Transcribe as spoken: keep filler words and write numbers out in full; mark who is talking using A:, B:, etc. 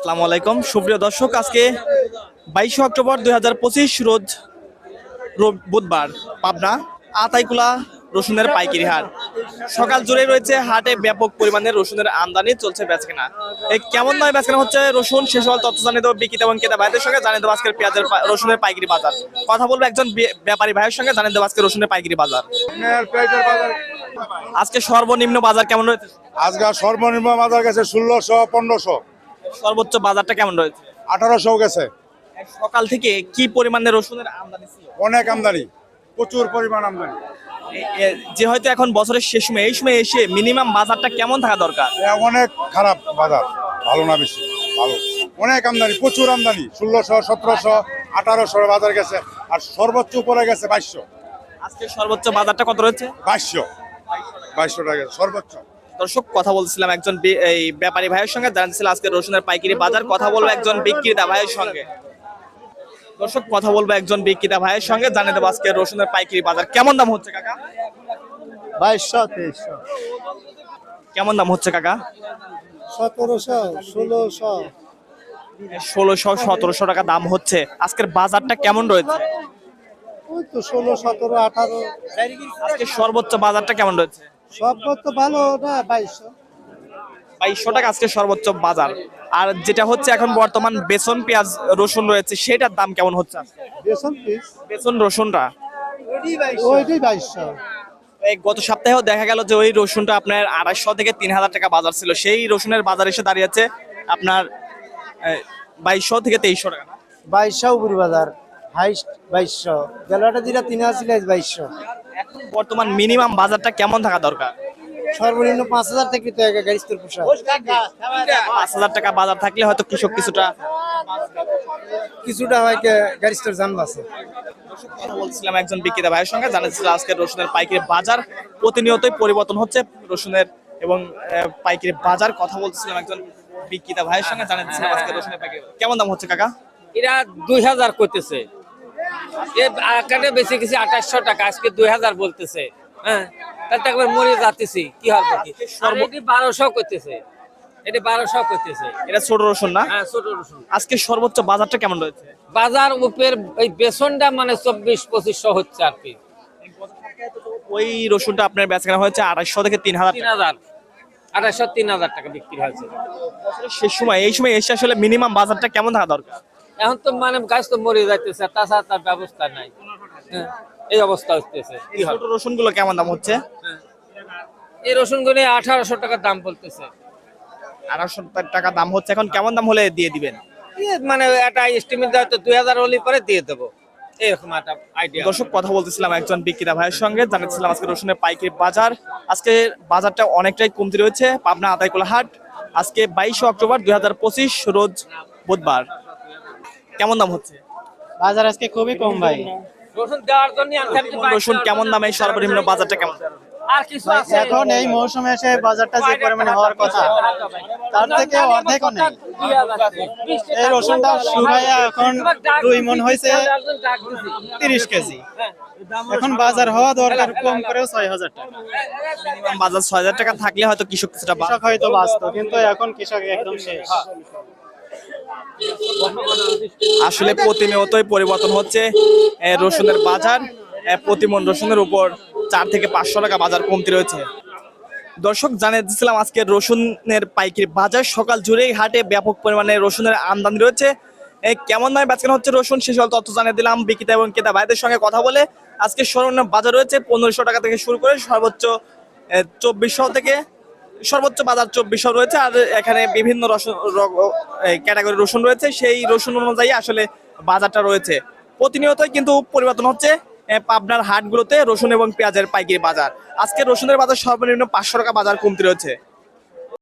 A: আসসালামু আলাইকুম সুপ্রিয় দর্শক, আজকে বাইশে অক্টোবর দুই হাজার পঁচিশ রোজ রোব- বুধবার পাবনা আতাইকুলা রসুনের পাইকারি হাট। সকাল জুড়ে রয়েছে হাটে ব্যাপক পরিমাণে রসুনের আমদানি চলছে বেচকেনা। এই কেমন নয় বেচকেনা হচ্ছে রসুন সে সকল তথ্য জানিয়ে দেবো বিক্রেতা এবং ক্রেতা ভাইদের সঙ্গে, জানিয়ে দেবো আজকের পেঁয়াজের পা- রসুনের পাইকারি বাজার। কথা বলবো একজন বে- ব্যাপারী ভাইয়ের সঙ্গে, জানিয়ে দেবো আজকে রসুনের পাইকারি বাজার। আজকে সর্বনিম্ন বাজার কেমন রয়েছে?
B: আজকে সর্বনিম্ন বাজার গেছে ষোলোশো পনেরোশো
A: সর্বোচ্চ বাজারটা কেমন রয়েছে?
B: আঠারোশো গেছে।
A: সকাল থেকে কি পরিমাণে রসুনের আমদানি ছিল?
B: অনেক আমদানি, প্রচুর পরিমাণ আমদানি।
A: এ- এ- যে হয়তো এখন বছরের শেষ সময়, এই সময় এসে মিনিমাম বাজারটা কেমন থাকা দরকার?
B: এ অনেক খারাপ বাজার, ভালো না বেশি ভালো। অনেক আমদানি, প্রচুর আমদানি, ষোলোশো সতেরোশো আঠারোশো বাজার গেছে। আর সর্বোচ্চ উপরে গেছে বাইশশো।
A: আজকে সর্বোচ্চ বাজারটা কত রয়েছে?
B: বাইশশো বাইশশো টাকা গেছে সর্বোচ্চ।
A: দর্শক, কথা বলছিলাম একজন বি- এই ব্যাপারী ভাইয়ের সঙ্গে, জানছিল আজকে রসুনের পাইকারি বাজার। কথা বলবো একজন বিক্রেতা ভাইয়ের সঙ্গে। দর্শক, কথা বলবো একজন বিক্রেতা ভাইয়ের সঙ্গে, জানিয়ে দেবো আজকে রসুনের পাইকারি বাজার কেমন দাম হচ্ছে কাকা?
C: বাইশশো তেইশশো
A: কেমন দাম হচ্ছে কাকা?
C: সতেরোশো ষোলোশো
A: ষোলোশো সতেরোশো টাকা দাম হচ্ছে। আজকের বাজারটা কেমন রয়েছে?
C: ওই তো ষোলো সতেরো আঠারো।
A: আজকে সর্বোচ্চ বাজারটা কেমন রয়েছে?
C: সব তো ভালো না, বাইশশো।
A: বাইশশো টাকা আজকে সর্বোচ্চ বাজার। আর যেটা হচ্ছে এখন বর্তমান বেসন পেঁয়াজ রসুন রয়েছে, সেটার দাম কেমন হচ্ছে আজকে?
C: বেসন পিস
A: বেসন রসুনটা
C: ওইটাই বাইশশো।
A: এই গত সপ্তাহেও দেখা গেল যে ওই রসুনটা আপনার আড়াইশো থেকে তিন হাজার টাকা বাজার ছিল, সেই রসুনের বাজার এসে দাঁড়িয়েছে আপনার বাইশশো থেকে তেইশশো টাকা না?
C: বাইশশো উপরি বাজার, হাইস্ট বাইশশো। গেলাটা দিলা তিন আসছিল বাইশশো।
A: এখন বর্তমান মিনিমাম বাজারটা কেমন থাকা দরকার?
C: সর্বনিম্ন পাঁচ হাজার থেকে তো গাড়িস্তর পোশাক
A: পাঁচ হাজার টাকা বাজার থাকলে হয়তো কৃষক কিছুটা।
C: কিছুটা হয় গাড়িস্তর যান বাসে।
A: কথা বলছিলাম একজন বিক্রেতা ভাইয়ের সঙ্গে, জানাচ্ছিল আজকে রসুনের পাইকারি বাজার প্রতিনিয়তই পরিবর্তন হচ্ছে রসুনের এবং আহ, পাইকারি বাজার। কথা বলছিলাম একজন বিক্রেতা ভাইয়ের সঙ্গে, জানাচ্ছিলাম আজকে রসুনের পাইকারি কেমন দাম হচ্ছে কাকা?
D: এরা দুই হাজার করতেছে, এখানে বেশি কিছু আঠাশশো টাকা, আজকে দুই হাজার বলতেছে। হ্যাঁ, তাহলে একবার মরে যাতেছি কি হবে কি? এটি বারোশো করতেছে, এটি বারোশো করতেছে।
A: এটা ছোট রসুন না?
D: হ্যাঁ, ছোট রসুন।
A: আজকে সর্বোচ্চ বাজারটা কেমন রয়েছে?
D: বাজার উপের এই বেসনটা মানে চব্বিশ পঁচিশশো হচ্ছে আর কি।
A: ওই রসুনটা আপনার বেচাকেনা হয়েছে আড়াইশো থেকে তিন হাজার
D: তিন হাজার আঠাশশো তিন হাজার টাকা বিক্রি হয়েছে।
A: শেষ সময়, এই সময় এসে আসলে মিনিমাম বাজারটা কেমন থাকা দরকার?
D: এখন তো মানে গাছ তো মরে যাইতেছে, তাছাড়া তার ব্যবস্থা নাই। হ্যাঁ, এই অবস্থা হচ্ছে কি
A: ছোট
D: হবে?
A: রসুন গুলো কেমন দাম হচ্ছে?
D: এই রসুন গুলো আঠারোশো টাকা দাম বলতেছে।
A: আড়াইশো টাকা দাম হচ্ছে, এখন কেমন দাম হলে দিয়ে দিবেন?
D: এ মানে একটা এস্টিমেট দেওয়া তো দুই হাজার হলে পরে দিয়ে দেবো, এরকম একটা আইডিয়া।
A: দর্শক, কথা বলতেছিলাম একজন বিক্রেতা ভাইয়ের সঙ্গে, জানাচ্ছিলাম আজকে রসুনের পাইকারি বাজার। আজকে বাজারটা অনেকটাই কমতি রয়েছে পাবনা আতাইকুলা হাট। আজকে বাইশে অক্টোবর দুই হাজার পঁচিশ রোজ বুধবার। কেমন দাম হচ্ছে?
C: বাজার আজকে খুবই কম ভাই।
D: রসুন দেওয়ার জন্য
A: রসুন কেমন দামে, সর্বনিম্ন বাজারটা কেমন?
D: আর কিছু আছে?
C: এখন এই মৌসুমে এসে বাজারটা যে পরিমাণে হওয়ার কথা, তার থেকে অর্ধেকও নেই। এই রসুনটা শুকাইয়া এখন দুই মন হয়েছে তিরিশ কেজি। এখন বাজার হওয়া দরকার কম করেও ছয় হাজার টাকা।
A: মিনিমাম বাজার ছয় হাজার টাকা থাকলে হয়তো কৃষক কিছুটা বা-
C: কৃষক হয়তো বাঁচত, কিন্তু এখন কৃষক একদম শেষ।
A: আসলে প্রতিনিয়তই পরিবর্তন হচ্ছে এ, রসুনের বাজার। এ, প্রতি মণ রসুনের উপর চার থেকে পাঁচশো টাকা বাজার কমতি রয়েছে। দর্শক, জানিয়ে দিচ্ছিলাম আজকে রসুনের পাইকারি বাজার। সকাল জুড়েই হাটে ব্যাপক পরিমাণে রসুনের আমদানি রয়েছে। এ, কেমন নয় বেচকেনা হচ্ছে রসুন, সে সকল তথ্য জানিয়ে দিলাম বিক্রেতা এবং ক্রেতা ভাইদের সঙ্গে কথা বলে। আজকে সর্বনিম্ন বাজার রয়েছে পনেরোশো টাকা থেকে শুরু করে সর্বোচ্চ চব্বিশশো থেকে সর্বোচ্চ বাজার চব্বিশশো রয়েছে। আর এখানে বিভিন্ন রসুন ক্যাটাগরি রসুন রয়েছে, সেই রসুন অনুযায়ী আসলে বাজারটা রয়েছে। প্রতিনিয়তই কিন্তু পরিবর্তন হচ্ছে এ, পাবনার হাটগুলোতে রসুন এবং পেঁয়াজের পাইকারি বাজার। আজকে রসুনের বাজার সর্বনিম্ন পাঁচশো টাকা বাজার কমতি রয়েছে।